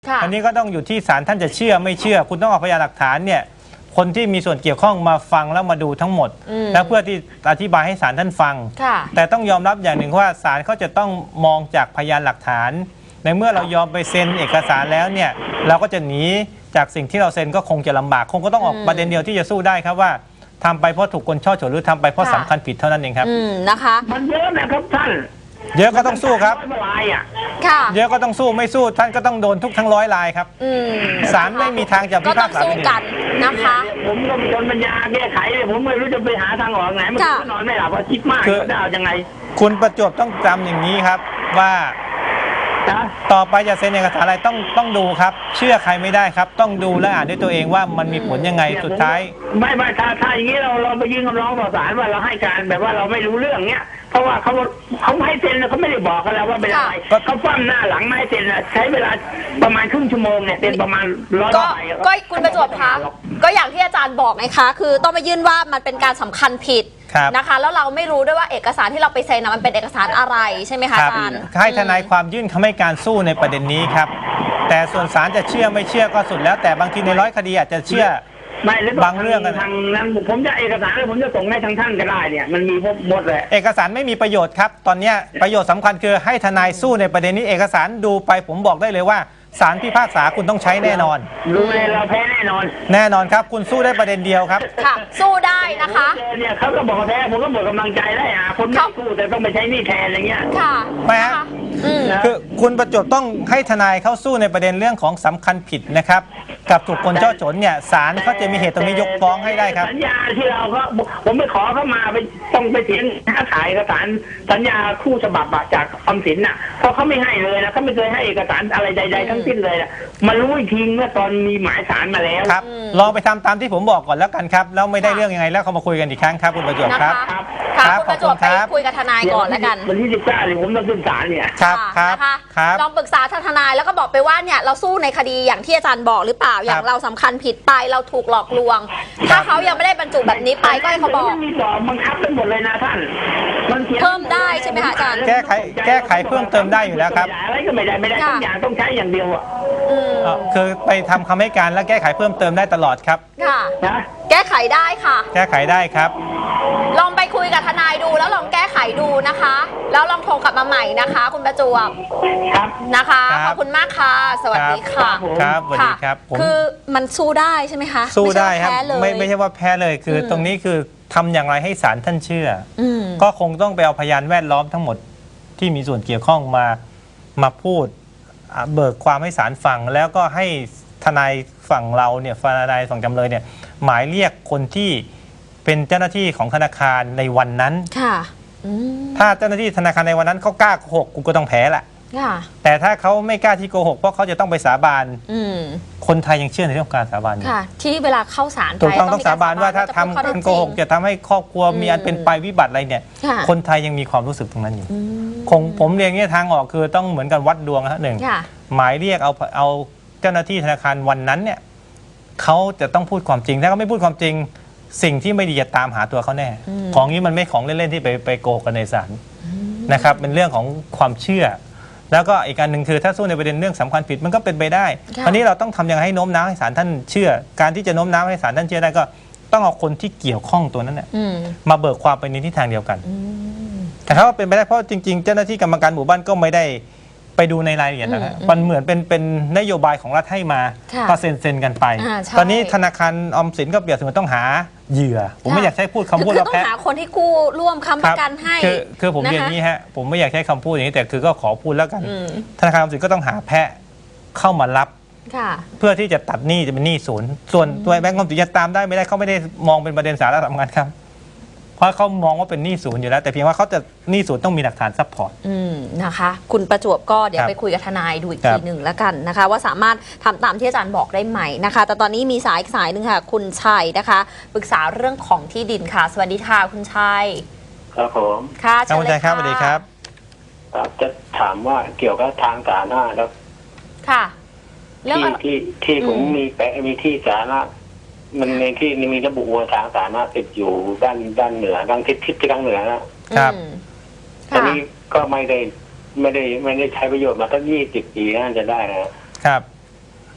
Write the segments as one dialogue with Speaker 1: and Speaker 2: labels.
Speaker 1: อันนี้ก็ต้องอยู่ที่ศาลท่านจะเชื่อไม่เชื่อคุณต้องเอาพยานหลักฐานเนี่ยคนที่มีส่วนเกี่ยวข้องมาฟังแล้วมาดูทั้งหมดแล้วเพื่อที่อธิบายให้ศาลท่านฟังแต่ต้องยอมรับอย่างหนึ่งว่าศาลเขาจะต้องมองจากพยานหลักฐานในเมื่อเรายอมไปเซ็นเอกสารแล้วเนี่ยเราก็จะหนีจากสิ่งที่เราเซ็นก็คงจะลำบากคงก็ต้องออกประเด็นเดียวที่จะสู้ได้ครับว่าทำไปเพราะถูกคนช่อฉนหรือทำไปเพราะสำคัญผิดเท่านั้นเองครับ
Speaker 2: นะคะ
Speaker 3: มันเยอะนะครับท่าน
Speaker 1: เยอะก็ต้องสู้ครับเยอะก็ต้องสู้ไม่สู้ท่านก็ต้องโดนทุกทั้ง100 รายครับศาลไม่มีทางจะพิพากษา
Speaker 2: ก็ต้องสู้กันนะคะ
Speaker 3: ผมก็จนปัญญาแก้ไขเลยผมไม่รู้จะไปหาทางออกไหนมันก็นอนไม่หลับคิดมากจะเอายังไง
Speaker 1: คุณประจวบต้องจำอย่างนี้ครับว่าต่อไปจะเซ็นเอกสารอะไรต้องดูครับเชื่อใครไม่ได้ครับต้องดูและอ่านด้วยตัวเองว่ามันมีผลยังไงสุดท้าย
Speaker 3: ไม่ถ้าอย่างนี้เราไปยื่นคำร้องต่อศาลว่าเราให้การแบบว่าเราไม่รู้เรื่องเนี้ยเพราะว่าเขาให้เซ็นเขาไม่ได้บอกกันแล้วว่าเป็นอะไรเขาฟั่มหน้าหลังไม่ให้เซ็นใช้เวลาประมาณครึ่งชั่วโมงเนี่ยเซ็นประมาณ100 ใบ
Speaker 2: ก็คุณประจวบคะก็อย่างที่อาจารย์บอกไงคะคือต้องไปยื่นว่ามันเป็นการสำคัญผิดนะคะแล้วเราไม่รู้ด้วยว่าเอกสารที่เราไปเซ็นมันเป็นเอกสารอะไรใช่ไหมคะอาจารย์
Speaker 1: ให้ทนายความยื่นคำให้การสู้ในประเด็นนี้ครับแต่ส่วนศาลจะเชื่อไม่เชื่อก็สุดแล้วแต่บางทีใน100 คดีอาจจะเชื่อบางเรื่องกัน
Speaker 3: ทางนั้นผมจะเอกสารแล้วผมจะส่งให้ทางท่านก็ได้เนี่ยมันมีหมดเลย
Speaker 1: เอกสารไม่มีประโยชน์ครับตอนนี้ประโยชน์สำคัญคือให้ทนายสู้ในประเด็นนี้เอกสารดูไปผมบอกได้เลยว่าศาลพิพากษาคุณต้องใช้แน่นอน
Speaker 3: รู้เลยเราแพ้แน่นอน
Speaker 1: ครับคุณสู้ได้ประเด็นเดียวครับ
Speaker 2: ค่ะสู้ได้นะคะ
Speaker 3: เนี่ยเขาก็บอกแพ้ผมก็หมดกำลังใจได้คนไม่สู้แต่ต้องไปใช้นี่แทนอะไรเงี้ย
Speaker 2: ค่ะ
Speaker 1: ไม่ฮะคือคุณประจวบต้องให้ทนายเข้าสู้ในประเด็นเรื่องของสำคัญผิดนะครับกับถูกคนช่อฉนเนี่ยศาลเขาจะมีเหตุตรงนี้ยกฟ้องให้ได้ครับ
Speaker 3: สัญญาที่เราก็ผมไปขอเข้ามาไปต้องไปเถียงขายเอกสารสัญญาคู่ฉบับจากออมสินน่ะเพราะเขาไม่ให้เลยนะเขาไม่เคยให้เอกสารอะไรใดๆทั้งสิ้นเลยมารู้อีกทีเมื่อตอนมีหมายศาลมาแล้ว
Speaker 1: ครับลองไปทำตามที่ผมบอกก่อนแล้วกันครับแล้วไม่ได้เรื่องยังไงแล้วเขามาคุยกันอีกครั้งครับคุณประจวบครับ
Speaker 2: ครับคุณประจวบไปคุยกับทนายก่อนแล้วกัน
Speaker 3: วันที่19เนี่ยผมต้องขึ้นศาลเนี่ย
Speaker 1: ครับ
Speaker 2: ลองปรึกษาทนายแล้วก็บอกไปว่าเนี่ยเราสู้ในคดีอย่างที่อาจารย์บอกหรือเปล่าอย่างเราสำคัญผิดไปเราถูกหลอกลวงถ้าเขายังไม่ได้บรรจุแบบนี้ไปก็ให้เขาบอก
Speaker 3: มีสอบบังคับกันหมดเลยนะท่าน
Speaker 2: เพิ่มได้ใช่ไหมคะอาจารย์
Speaker 1: แก้ไขเพิ่มเติมได้อยู่แล้วครับ
Speaker 3: อะไรก็ไม่ได้ทุกอย่างต้องใช้อย่างเดียว
Speaker 1: คือไปทำคำให้การและแก้ไขเพิ่มเติมได้ตลอดครับ
Speaker 2: ค่ะแก้ไขได้ค่ะ
Speaker 1: แก้ไขได้ครับ
Speaker 2: ลองไปคุยกับทนายดูแล้วลองแก้ไขดูนะคะแล้วลองโทรกลับมาใหม่นะคะคุณประจวบนะคะขอบคุณมากค่ะสวัสดีค่ะ
Speaker 1: ครับสวัสดีครับ
Speaker 2: คือมันสู้ได้ใช่ไหมคะ
Speaker 1: สู้ได้ครับไม่ใช่ว่าแพ้เลยคือตรงนี้คือทำอย่างไรให้ศาลท่านเชื่อก็คงต้องไปเอาพยานแวดล้อมทั้งหมดที่มีส่วนเกี่ยวข้องมาพูดเบิกความให้ศาลฟังแล้วก็ให้ทนายฝั่งเราเนี่ยทนายฝั่งจำเลยเนี่ยหมายเรียกคนที่เป็นเจ้าหน้าที่ของธนาคารในวันนั้นถ้าเจ้าหน้าที่ธนาคารในวันนั้นเขากล้าโกหกกูก็ต้องแพ้แหละแต่ถ้าเขาไม่กล้าที่โกหกเพราะเขาจะต้องไปสาบานคนไทยยังเชื่อในเรื่องการสาบานอยู่
Speaker 2: ที่เวลาเข้าศาล
Speaker 1: ถูกต้องสาบานว่าถ้าทำการโกหกจะทำให้ครอบครัวมีอันเป็นไปวิบัติอะไรเนี่ยคนไทยยังมีความรู้สึกตรงนั้นอยู่คงผมเรียนเนี่ยทางออกคือต้องเหมือนกันวัดดวงนะหนึ่งหมายเรียกเอาเจ้าหน้าที่ธนาคารวันนั้นเนี่ยเขาจะต้องพูดความจริงถ้าเขาไม่พูดความจริงสิ่งที่ไม่ดีจะตามหาตัวเขาแน่ของนี้มันไม่ของเล่นๆที่ไปโกหกกันในศาลนะครับเป็นเรื่องของความเชื่อแล้วก็อีกการหนึ่งคือถ้าสู้ในประเด็นเรื่องสำคัญผิดมันก็เป็นไปได้คราวนี้เราต้องทำยังไงให้โน้มน้าวให้ศาลท่านเชื่อการที่จะโน้มน้าวให้ศาลท่านเชื่อได้ก็ต้องเอาคนที่เกี่ยวข้องตัวนั้นเนี่ยมาเบิกความไปในทิศทางเดียวกันแต่ถ้าว่าเป็นไปได้เพราะจริงๆเจ้าหน้าที่กรรมการหมู่บ้านก็ไม่ได้ไปดูในรายละเอียดนะครับมันเหมือนเป็นนโยบายของรัฐให้มาก็เซ็นกันไปตอนนี้ธนาคารออมสินก็เปรียบเสมือนต้องหาเหยื่อผมไม่อยากใช้พูดคำพูด
Speaker 2: ว่าแพ้ต้องหาคนที่กู้ร่วมค้ำประกันให้
Speaker 1: คือผมเรียนนี้ฮะผมไม่อยากใช้คำพูดอย่างนี้แต่คือก็ขอพูดแล้วกันธนาคารออมสินก็ต้องหาแพะเข้ามารับเพื่อที่จะตัดหนี้จะเป็นหนี้ศูนย์ส่วนตัวแบงก์ออมสินจะตามได้ไม่ได้เขาไม่ได้มองเป็นประเด็นสาระสำคัญครับเพราะเขามองว่าเป็นหนี้ศูนย์อยู่แล้วแต่เพียงว่าเขาจะหนี้ศูนย์ต้องมีหลักฐานซัพพอร์ต
Speaker 2: นะคะคุณประจวบก็เดี๋ยวไปคุยกับทนายดูอีกทีหนึ่งแล้วกันนะคะว่าสามารถทำตามที่อาจารย์บอกได้ไหมนะคะแต่ตอนนี้มีสายหนึ่งค่ะคุณชัยนะคะปรึกษาเรื่องของที่ดินค่ะสวัสดีค่ะคุณชัย
Speaker 4: ครับผม
Speaker 2: ค่ะ
Speaker 1: เชิญเลยค่ะสวัสดีครับ
Speaker 4: จะถามว่าเกี่ยวกับทางสาธารณะแล้ว
Speaker 2: ค่ะ
Speaker 4: ที่ผมมีที่สาธารณะมันในที่มีระบุว่าทางสาธารณะติดอยู่ด้านเหนือด้านทิศทางเหนือ
Speaker 1: นะครับ
Speaker 4: ตอนนี้ก็ไม่ได้ใช้ประโยชน์มาตั้ง20 ปีน่าจะได้นะครับ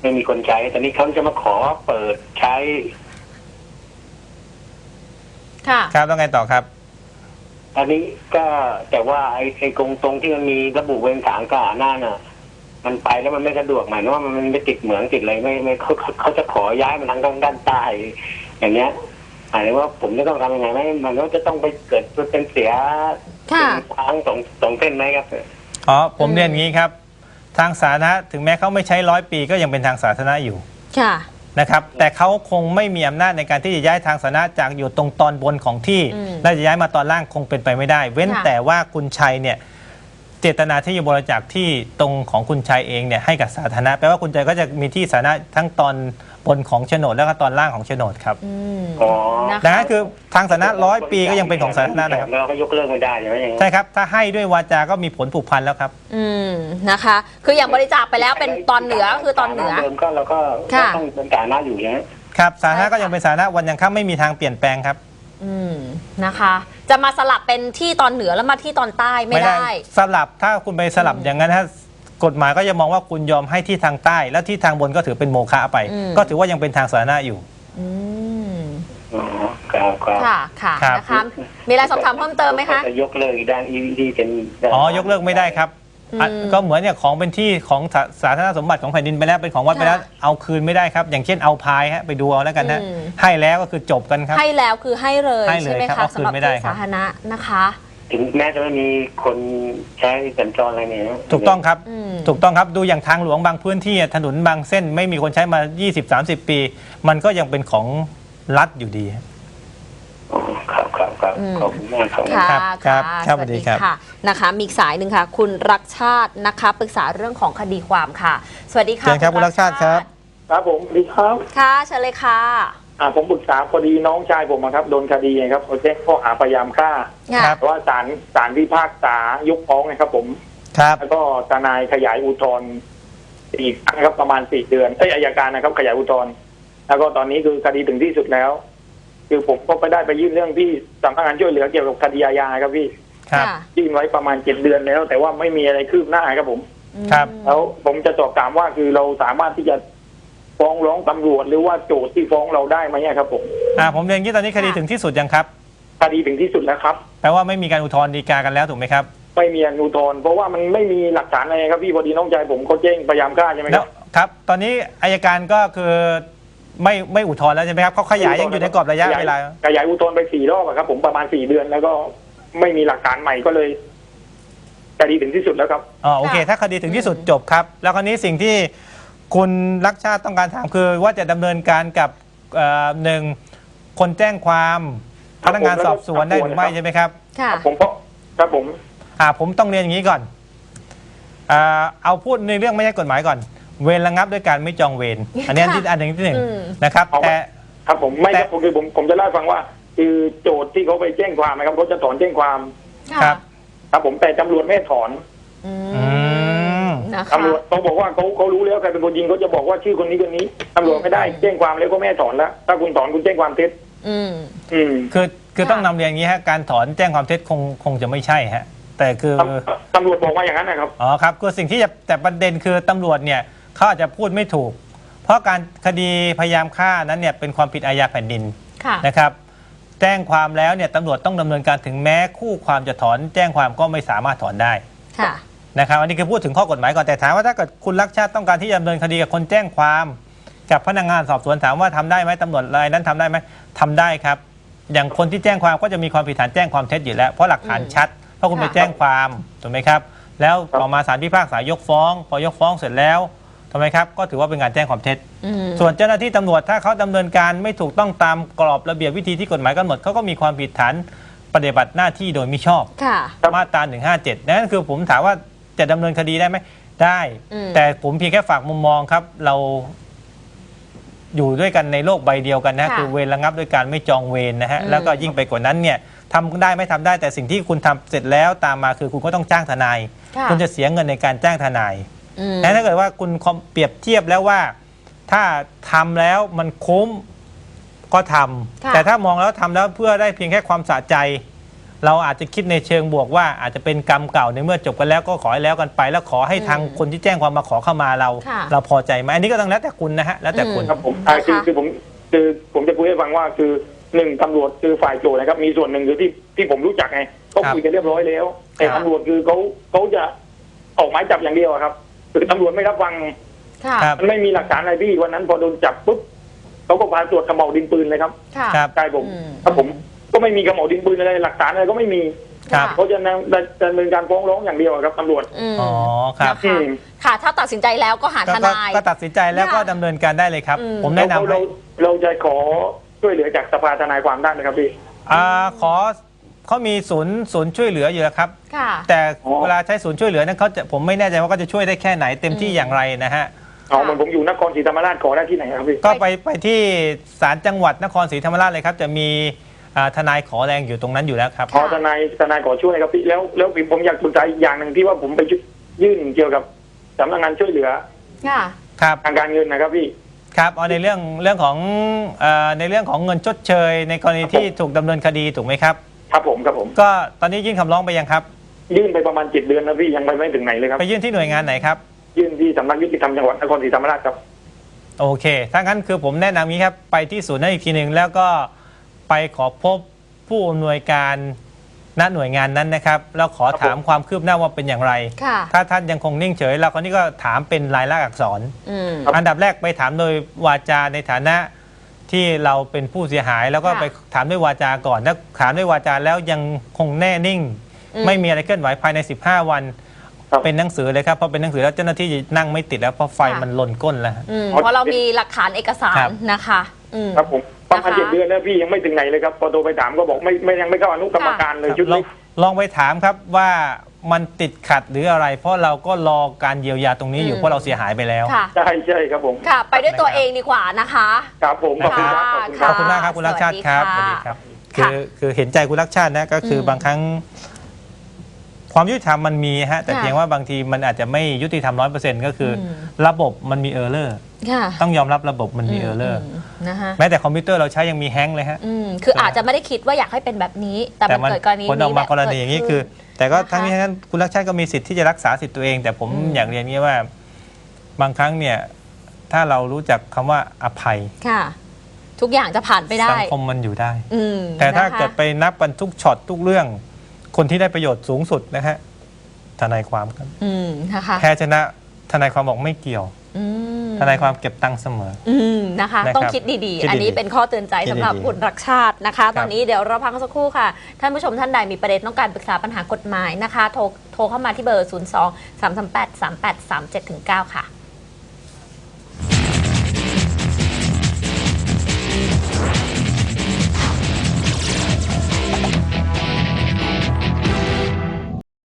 Speaker 4: ไม่มีคนใช้แต่นี้เขาจะมาขอเปิดใช้
Speaker 2: ค่ะ
Speaker 1: ครับแล้วไงต่อครับ
Speaker 4: อันนี้ก็แต่ว่าไอ้ตรงที่มันมีระบุเวรถางกาหน้าน่ะ มันไปแล้วมันไม่สะดวกหมายถึงว่ามันไม่ติดเหมืองติดอะไรไม่เขาจะขอย้ายมันทางด้านใต้อย่างเงี้ยหมายถึงว่าผมจะต้องทำยังไงไหมมันก็จะต้องไปเกิดเป็นเสีย
Speaker 2: ค่ะ
Speaker 4: ทางสองเส้นไหมครับ
Speaker 1: อ๋อผมเรียนอย่างนี้ครับทางสาธารณะถึงแม้เขาไม่ใช้100 ปีก็ยังเป็นทางสาธารณะอยู่
Speaker 2: ค่ะ
Speaker 1: นะครับแต่เขาคงไม่มีอำนาจในการที่จะย้ายทางสาธารณะจากอยู่ตรงตอนบนของที่และจะย้ายมาตอนล่างคงเป็นไปไม่ได้ เว้นแต่ว่าคุณชัยเนี่ยเจตนาที่จะบริจาคที่ตรงของคุณชัยเองเนี่ยให้กับสาธารณะแปลว่าคุณชัยก็จะมีที่สาธารณะทั้งตอนบนของโฉนดแล้วก็ตอนล่างของโฉนดครับ
Speaker 4: อ๋อ
Speaker 2: นะคะ
Speaker 1: ดังนั้นคือทางสาธารณะ100 ปีก็ยังเป็นของสาธารณะนะครับ
Speaker 4: เราก็ยกเลิกไม่ได้ใช่ไหมอย่างเงี้ย
Speaker 1: ใช่ครับถ้าให้ด้วยวาจาก็มีผลผูกพันแล้วครับ
Speaker 2: นะคะ คืออย่างบริจาคไปแล้วเป็นตอนเหนือก็คือตอนเหนือ
Speaker 4: เดิมก็เราก็
Speaker 2: ค่ะ
Speaker 4: ต้องเป็นฐานะอยู่อย่างเงี้ย
Speaker 1: ครับสาธารณะก็ยังเป็นสาธารณะวันยังค่ำไม่มีทางเปลี่ยนแปลงครับ
Speaker 2: นะคะ จะมาสลับเป็นที่ตอนเหนือแล้วมาที่ตอนใต้ไม่ได้
Speaker 1: สลับถ้าคุณไปสลับอย่างนั้นถ้ากฎหมายก็จะมองว่าคุณยอมให้ที่ทางใต้ แล้วที่ทางบนก็ถือเป็นโมฆะไป ก็ถือว่ายังเป็นทางสาธารณะอยู่
Speaker 2: อืม
Speaker 4: อ๋อครับครับ
Speaker 2: ค่ะค่ะ
Speaker 1: ครับ
Speaker 2: นะคะมีอะไรสอบถามเพิ่มเติมไหมคะ
Speaker 4: จะยกเลิกด้าน EVD เป็น
Speaker 1: อ๋อยกเลิกไม่ได้ครับก็เหมือนเนี่ยของเป็นที่ของสาธารณสมบัติของแผ่นดินไปแล้วเป็นของวัดไปแล้วเอาคืนไม่ได้ครับอย่างเช่นเอาพายฮะไปดูเอาแล้วกันฮะให้แล้วก็คือจบกันครับ
Speaker 2: ให้แล้วคือให้เลย
Speaker 1: ให้เลย
Speaker 2: ใช่ไหม
Speaker 1: ครับ
Speaker 2: คะ
Speaker 1: เอาคื
Speaker 2: สำ
Speaker 1: น
Speaker 2: หรับ
Speaker 1: ไม่ได้
Speaker 2: ที่
Speaker 1: ครับ
Speaker 2: สาธารณะนะคะ
Speaker 4: ถึงแม้จะไม่มีคนใช้สัญจรอะไรเนี่ย
Speaker 1: ถูกต้องครับ
Speaker 2: อืม
Speaker 1: ถูกต้องครับดูอย่างทางหลวงบางพื้นที่ถนนบางเส้นไม่มีคนใช้มา 20-30 ปี มันก็ยังเป็นของรัฐอยู่ดี
Speaker 4: อ๋อครับครับครับขอบคุณมากครับ
Speaker 2: ค่ะ
Speaker 1: ครับครับสวัสดีครับ
Speaker 2: ค่ะนะคะมีอีกสายหนึ่งค่ะ คุณรักชาตินะคะปรึกษาเรื่องของคดีความค่ะ สวัสดีค่ะ
Speaker 1: เชิญครับคุณรักชาติครับ
Speaker 5: ครับผมสวัสดีครับ
Speaker 2: ค่ะเชิญเลยค่ะ
Speaker 5: ผมปรึกษาพอดีน้องชายผมอะครับโดนคดีไงครับเขาแจ้งข้อหาพยายามฆ่า
Speaker 1: ครับ
Speaker 5: แต่ว่าศาลพิพากษายกฟ้องนะครับผม
Speaker 1: ครับ
Speaker 5: แล้วก็ทนายขยายอุทธรณ์อีกครั้งครับประมาณ4 เดือนอัยการนะครับขยายอุทธรณ์แล้วก็ตอนนี้คือคดีถึงที่สุดแล้ว คือผมก็ไปได้ไปยื่นเรื่องที่สำนักงานช่วยเหลือเกี่ยวกับคดีอาญาครับพี่
Speaker 1: ครับ
Speaker 5: ยื่นไว้ประมาณ7 เดือนแล้ว แต่ว่าไม่มีอะไรคืบหน้าครับผม
Speaker 1: ครับ
Speaker 5: แล้วผมจะสอบถามว่าคือเราสามารถที่จะฟ้องร้องตำรวจหรือว่าโจทย์ที่ฟ้องเราได้ไหมครับผม
Speaker 1: ผมเรียนที่ตอนนี้คดีถึงที่สุดยังครับ
Speaker 5: คดีถึงที่สุดแล้วครับ
Speaker 1: แปลว่าไม่มีการอุทธรณ์ฎีกากันแล้วถูกไหมครับ
Speaker 5: ไม่มีอนุทรณ์เพราะว่ามันไม่มีหลักฐานอะไรครับพี่พอดีน้องชายผมเขาแจ้งพยายามฆ่าใช่ไหมค
Speaker 1: แล้
Speaker 5: รั
Speaker 1: ว
Speaker 5: บ
Speaker 1: ครับ ตอนนี้อายการก็คือไม่อุทธรณ์แล้วใช่ไหมครับเขาขยายยังอยู่ในกรอบระยะเวลา
Speaker 5: ขยายอุทธรณ์ไป4 รอบอะครับผมประมาณ4 เดือนแล้วก็ไม่มีหลักฐานใหม่ก็เลยคดีถึงที่สุดแล้วครับ
Speaker 1: โอเค ถ้าคดีถึงที่สุดจบครับ แล้วคราวนี้สิ่งที่คุณรักชาติต้องการถามคือว่าจะดำเนินการกับหนึ่งคนแจ้งความพนักงานสอบสวนได้หรือไม่ใช่ไหมครับ
Speaker 2: ค่ะ
Speaker 5: ผมเพราะครับผม
Speaker 1: ผมต้องเรียนอย่างนี้ก่อนเอาพูดในเรื่องไม่ใช่กฎหมายก่อน เวรระงับด้วยการไม่จองเวรอันนี้อันหนึ่งที่หนึ่งนะครับแต่
Speaker 5: ครับผมไม่ครับคือผมจะเล่าให้ฟังว่า คือโจทย์ที่เขาไปแจ้งความนะครับเขาจะถอนแจ้งความ
Speaker 1: ครับ
Speaker 5: ครับผมแต่ตำรวจไม่ถอน
Speaker 2: นะคะ
Speaker 5: ตำรวจเขาบอกว่าเขารู้แล้วใครเป็นคนยิงเขาจะบอกว่าชื่อคนนี้คนนี้ตำรวจไม่ได้แจ้งความแล้วก็ไม่ให้ถอนแล้วถ้าคุณถอนคุณแจ้งความเท็จ
Speaker 1: คือต้องนำเรียนอย่างนี้ฮะการถอนแจ้งความเท็จคงจะไม่ใช่ฮะแต่คือ
Speaker 5: ตำรวจบอกว่าอย่างนั้นนะครับ
Speaker 1: ครับคือสิ่งที่จะแต่ประเด็นคือตำรวจเนี่ยเขาอาจจะพูดไม่ถูก เพราะการคดีพยายามฆ่านั้นเนี่ยเป็นความผิดอาญาแผ่นดิน
Speaker 2: ค่ะ
Speaker 1: นะครับแจ้งความแล้วเนี่ยตำรวจต้องดำเนินการถึงแม้คู่ความจะถอนแจ้งความก็ไม่สามารถถอนได้
Speaker 2: ค่ะ
Speaker 1: นะครับอันนี้คือพูดถึงข้อกฎหมายก่อนแต่ถามว่าถ้าเกิดคุณรักชาติต้องการที่จะดำเนินคดีกับคนแจ้งความกับพนักงานสอบสวนถามว่าทำได้ไหมตำรวจรายนั้นทำได้ไหมทำได้ครับอย่างคนที่แจ้งความก็จะมีความผิดฐานแจ้งความเท็จอยู่แล้วเพราะหลักฐานชัดเพราะคุณไปแจ้งความถูกไหมครับแล้วต่อมาศาลพิพากษายกฟ้องพอยกฟ้องเสร็จแล้วทำไมครับก็ถือว่าเป็นการแจ้งความเท็จส่วนเจ้าหน้าที่ตำรวจถ้าเขาดำเนินการไม่ถูกต้องตามกรอบระเบียบวิธีที่กฎหมายกำหนดเขาก็มีความผิดฐานปฏิบัติหน้าที่โดยมิชอบ
Speaker 2: ค่ะ
Speaker 1: มาตรา157นั่นคือผมถามว่าจะดำเนินคดีได้ไหมได้ แต่ผมเพียงแค่ฝากมุมมองครับเราอยู่ด้วยกันในโลกใบเดียวกันนะคือเวรระงับด้วยการไม่จองเวรนะฮะแล้วก็ยิ่งไปกว่านั้นเนี่ยทำได้ไม่ทำได้แต่สิ่งที่คุณทำเสร็จแล้วตามมาคือคุณก็ต้องจ้างทนายคุณจะเสียเงินในการจ้างทนายถ้าเกิดว่าคุณเปรียบเทียบแล้วว่าถ้าทำแล้วมันคุ้มก็ทำแต่ถ้ามองแล้วทำแล้วเพื่อได้เพียงแค่ความสะใจเราอาจจะคิดในเชิงบวกว่าอาจจะเป็นกรรมเก่าในเมื่อจบกันแล้วก็ขอให้แล้วกันไป แล้วขอให้ทางคนที่แจ้งความมาขอเข้ามาเรา
Speaker 2: ค่ะ
Speaker 1: เราพอใจไหมอันนี้ก็ต้องแล้วแต่คุณนะฮะแล้วแต่คุณ
Speaker 5: ครับผม
Speaker 2: นะคะ
Speaker 5: คือผมจะคุยให้ฟังว่าคือหนึ่งตำรวจคือฝ่ายโจทย์นะครับมีส่วนหนึ่งคือที่ผมรู้จักไงเขาคุยกันเรียบร้อยแล้วแต่ตำรวจคือเขาจะออกหมายจับอย่างเดียวอะครับคือตำรวจไม่รับฟัง
Speaker 2: ค่ะ
Speaker 1: ครับ
Speaker 5: มันไม่มีหลักฐานอะไรพี่วันนั้นพอโดนจับปุ๊บเขาก็พาตรวจกระบอกดินปืนเลยครับ
Speaker 2: ค่ะ
Speaker 1: ครับ
Speaker 5: ใช่ผม
Speaker 2: อืม
Speaker 5: ครับผมก็ไม่มีกระบอกดินปืนอะไรหลักฐานอะไรก็ไม่มี
Speaker 1: ครับ
Speaker 5: เขาจะดำเนินการฟ้องร้องอย่างเดียวอะครับตำรวจ
Speaker 2: ม
Speaker 1: อ๋อครับ
Speaker 2: นะคะค่ะ ถ้าตัดสินใจแล้วก็หาทนาย
Speaker 1: ก็ตัดสินใจแล้วก็
Speaker 2: ค่ะ
Speaker 1: ดำเนินการได้เลยครับ
Speaker 2: อืม
Speaker 1: ผมแนะนำให้
Speaker 5: เราจะขอช่วยเหลือจากสภาทนายความได้ไหมครับพี่
Speaker 1: ขอเขามีศูนย์ช่วยเหลืออยู่แล้วครับ
Speaker 2: ค่ะ
Speaker 1: แต่
Speaker 5: อ๋อ
Speaker 1: เวลาใช้ศูนย์ช่วยเหลือนั้นผมไม่แน่ใจว่าเขาจะช่วยได้แค่ไหนเต็มที่อย่างไรนะฮะ
Speaker 5: อ๋อเหมือนผมอยู่นครศรีธรรมราชขอได้ที่ไหนครับพี่
Speaker 1: ก็ไปที่ศาลจังหวัดนครศรีธรรมราชเลยครับจะมีทนายขอแรงอยู่ตรงนั้นอยู่แล้วครับ
Speaker 5: ขอทนายขอช่วยครับพี่แล้วผมอยากปรึกษาอีกอย่างหนึ่งที่ว่าผมไปยื่นเกี่ยวกับสำนักงานช่วยเหลือ
Speaker 2: ค่ะ
Speaker 1: ครับ
Speaker 5: ทางการเงินนะครับพี่
Speaker 1: ครับเอาในเรื่องของในเรื่องของเงินชดเชย ในกรณีที่ถูกดำเนินคดีถูกไหมครับ
Speaker 5: ครับผมครับผม
Speaker 1: ก็ตอนนี้ยื่นคำร้องไปยังครับ
Speaker 5: ยื่นไปประมาณ7 เดือนแล้วพี่ยังไปไม่ถึงไหนเลยครับ
Speaker 1: ไปยื่นที่หน่วยงานไหนครับ
Speaker 5: ยื่นที่สำนักยุติธรรมจังหวัดนครศรีธรรมราชครับ
Speaker 1: โอเคถ้างั้นคือผมแนะนำนี้ครับไปที่ศูนย์นั้นอีกทีหนึ่งแล้วก็ไปขอพบผู้อำนวยการณหน่วยงานนั้นนะครับแล้วขอถามความคืบหน้าว่าเป็นอย่างไร
Speaker 2: ค่ะ
Speaker 1: ถ้าท่านยังคงนิ่งเฉยเราคนนี้ก็ถามเป็นลายลักษณ์อักษร
Speaker 2: อืม
Speaker 5: ครับ
Speaker 1: อันดับแรกไปถามโดยวาจาในฐานะที่เราเป็นผู้เสียหาย แล้วก็
Speaker 2: ค่ะ
Speaker 1: ไปถามด้วยวาจาก่อนแล้วถามด้วยวาจาแล้วยังคงแน่นิ่ง ไม่มีอะไรเคลื่อนไหวภายใน 15 วัน
Speaker 5: ครับ
Speaker 1: เป็นหนังสือเลยครับเพราะเป็นหนังสือแล้วเจ้าหน้าที่นั่งไม่ติดแล้วเพราะไฟมันลนก้นแล้ว
Speaker 2: เพราะเรามีหลักฐานเอกสาร
Speaker 1: ครับ
Speaker 2: นะคะ
Speaker 5: ครับผมประมาณ
Speaker 2: นะคะ
Speaker 5: 7 เดือนแล้วพี่ยังไม่ถึงไหนเลยครับพอโทรไปถามก็บอกไม่ยังไม่เข้าอนุกรรมการเลยชุด
Speaker 1: ลอ
Speaker 5: นี้
Speaker 1: งลองไปถามครับว่ามันติดขัดหรืออะไร เพราะเราก็รอการเยียวยาตรงนี้อยู่เพราะเราเสียหายไปแล้ว
Speaker 2: ค่ะ
Speaker 5: ใช่ครับผม
Speaker 2: ค่ะ ไปด้วยตัวเองดีกว่านะคะ
Speaker 5: ครับผมขอบคุณครับขอบคุณค
Speaker 1: ข
Speaker 5: รั
Speaker 1: อ
Speaker 5: บบ
Speaker 1: คุณมากครับคุณรักชาติครับ
Speaker 2: สวัสดี
Speaker 1: ครั
Speaker 2: ค่ะ
Speaker 1: คือเห็นใจคุณรักชาตินะก็คือ
Speaker 2: ม
Speaker 1: บางครั้ง ความยุติธรรมมันมีฮะแต่
Speaker 2: ค่ะ
Speaker 1: เพียงว่าบางทีมันอาจจะไม่ยุติธรรม100%ก็คืออ
Speaker 2: ม
Speaker 1: ระบบมันมีเออร์เลอร์
Speaker 2: ค่ะ
Speaker 1: ต้องยอมรับระบบมันมีเออร์เลอร์
Speaker 2: นะคะ
Speaker 1: แม้แต่คอมพิวเตอร์เราใช้ยังมีแฮงก์เลยฮะ
Speaker 2: คืออาจจะไม่ได้คิดว่าอยากให้เป็นแบบนี้ แต่มันเกิดกรณี
Speaker 1: ผลออกมากรณีอย่างนี้คือ แต่ก็ทั้งนี้ทั้งนั้นคุณรักชาติก็มีสิทธิ์ที่จะรักษาสิทธิ์ตัวเอง แต่ผมอยากเรียนนี้ว่า บางครั้งเนี่ยถ้าเรารู้จักคำว่าอภัย
Speaker 2: ค่ะ ทุกอย่างจะผ่านไปได้
Speaker 1: สังคมมันอยู่ได้
Speaker 2: อืม
Speaker 1: แต่ถ้า
Speaker 2: นะคะ
Speaker 1: เกิดไปนับกันทุกช็อตทุกเรื่อง คนที่ได้ประโยชน์สูงสุดนะฮะทนายความครับ
Speaker 2: นะคะ
Speaker 1: แพ้ชนะทนายความบอกไม่เกี่ยว
Speaker 2: อืม
Speaker 1: ทนายความเก็บตังค์เสมอ
Speaker 2: นะคะ
Speaker 1: นะครับ
Speaker 2: ต้องคิดดี
Speaker 1: คิดดีๆ
Speaker 2: ๆ อันนี้เป็นข้อเตือนใจ
Speaker 1: คิดดีๆ
Speaker 2: สำหรับคุณรักชาตินะคะ
Speaker 1: ครับ
Speaker 2: ตอนนี้เดี๋ยวเราพักสักครู่ค่ะ ท่านผู้ชมท่านใดมีประเด็นต้องการปรึกษาปัญหากฎหมายนะคะ โทรเข้ามาที่เบอร์ 02 338 3837-9 ค่ะ